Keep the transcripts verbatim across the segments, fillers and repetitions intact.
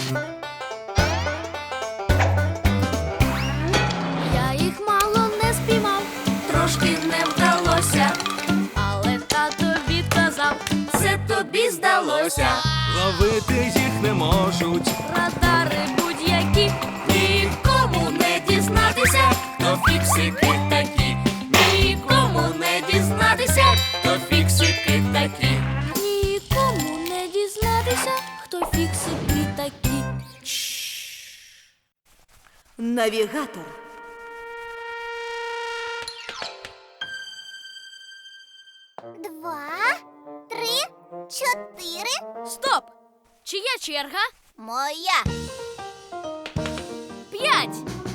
Я їх мало не спіймав, Трошки не вдалося, але тато відказав, це тобі здалося. Ловити їх не можуть. радари будь-які. Нікому не дізнатися, хто фіксики такі. Нікому не дізнатися, хто фіксики такі. Нікому не дізнатися, хто фіксики такі. Навігатор. Два, три, чотири. Стоп! Чия черга? Моя. П'ять.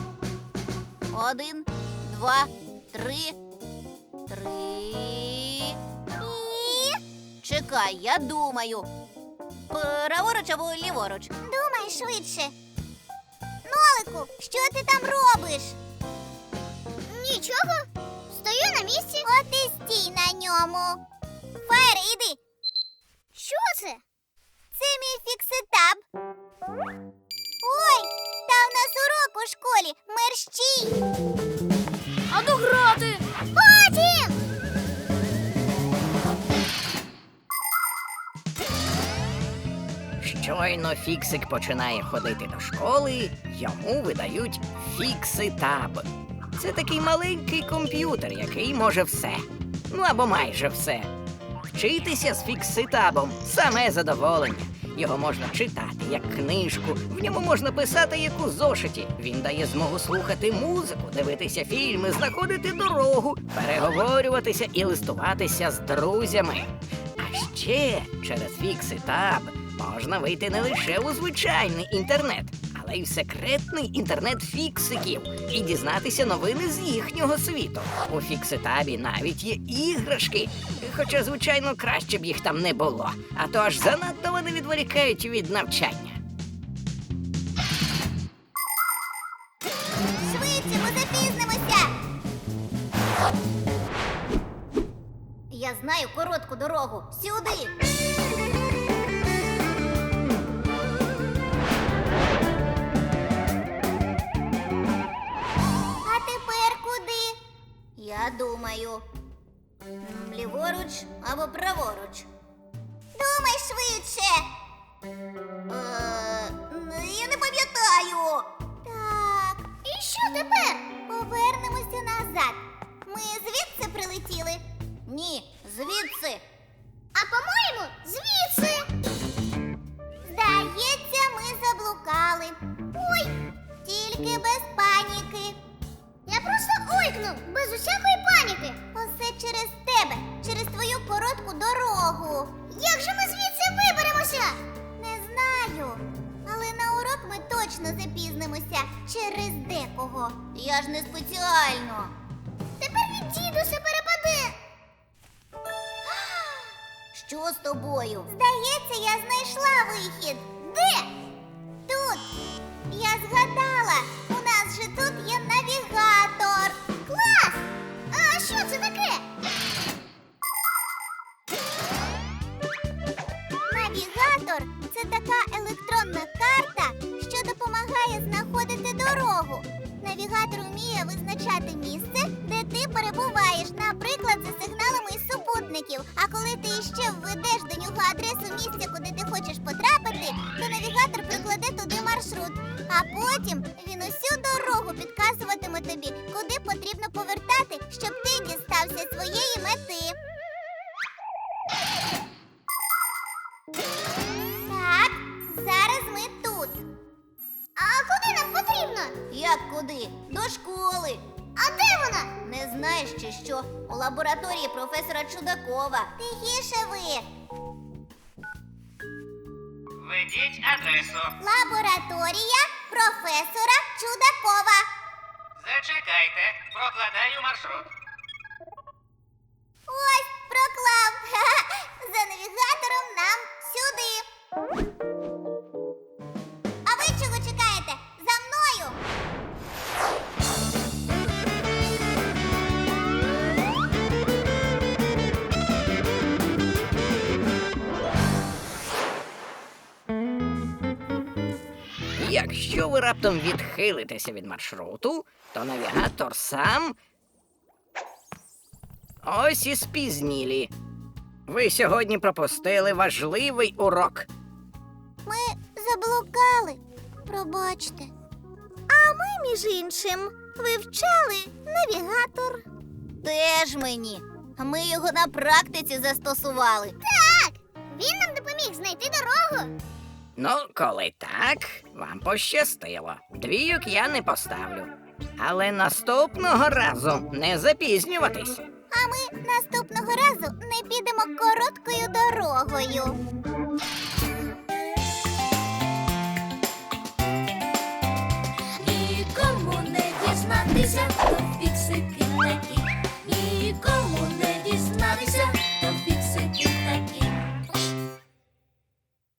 Один, два, три. Три. І... Чекай, я думаю. Праворуч або ліворуч? Думай швидше. Нолику, що ти там робиш? Нічого. Стою на місці. От і стій на ньому. Фаєр, іди. Що це? Це мій фікситаб. Ой, та в нас урок у школі. Мерщій. А ну грати! Потім! Щойно Фіксик починає ходити до школи, йому видають фікситаб. Це такий маленький комп'ютер, який може все. Ну або майже все. Вчитися з фікситабом – саме задоволення. Його можна читати, як книжку, в ньому можна писати, як у зошиті. Він дає змогу слухати музику, дивитися фільми, знаходити дорогу, переговорюватися і листуватися з друзями. А ще через фікситаб можна вийти не лише у звичайний інтернет, але й в секретний інтернет фіксиків і дізнатися новини з їхнього світу. У фікситабі навіть є іграшки, хоча, звичайно, краще б їх там не було, а то аж занадто вони відволікають від навчання. Швидше, ми запізнимося. Я знаю коротку дорогу. Сюди. А тепер куди? Я думаю. м, Ліворуч або праворуч. Думай швидше. Е, н- я не пам'ятаю. Так, і що тепер? Повернемося назад. Ми звідси прилетіли? Ні, звідси. А по-моєму, звідси. Здається, ми заблукали. Ой, тільки без паніки. Я просто ойкнув, без усякої паніки. Усе через тебе, через твою коротку дорогу. Як же ми звідси виберемося? Не знаю. Але на урок ми точно запізнимося через декого. Я ж не спеціально. Тепер від дідуся перепаде. Що з тобою? Здається, я знайшла вихід. Де? Тут. Я згадала. У нас же тут є навігатор. Клас! А що це таке? Навігатор – це така електронна карта, що допомагає знаходити дорогу. Навігатор вміє визначати місце, де ти перебуваєш, наприклад, за сигналами із супутників. А коли ти іще введеш до нього адресу місця, куди ти хочеш потрапити, то навігатор прикладе туди маршрут. А потім він усю дорогу підказуватиме тобі, куди потрібно повертати, щоб ти дістався своєї мети. Так, зараз ми тут. А куди нам потрібно? Як куди? До школи. А де вона? Не знаєш чи що? У лабораторії професора Чудакова. Тихіше ви. Введіть адресу. Лабораторія професора Чудакова. Зачекайте, прокладаю маршрут. Ось, проклав. Ха-ха. За навігатором нам сюди. А ви чого чекаєте? За мною. Якщо ви раптом відхилитеся від маршруту, то навігатор сам. Ось і спізнілі. Ви сьогодні пропустили важливий урок. Ми заблукали. Пробачте. А ми, між іншим, вивчали навігатор. Теж мені. Ми його на практиці застосували. Так! Він нам допоміг знайти дорогу. Ну, коли так, вам пощастило. Двійок я не поставлю. Але наступного разу не запізнюватись. А ми наступного разу не підемо короткою дорогою.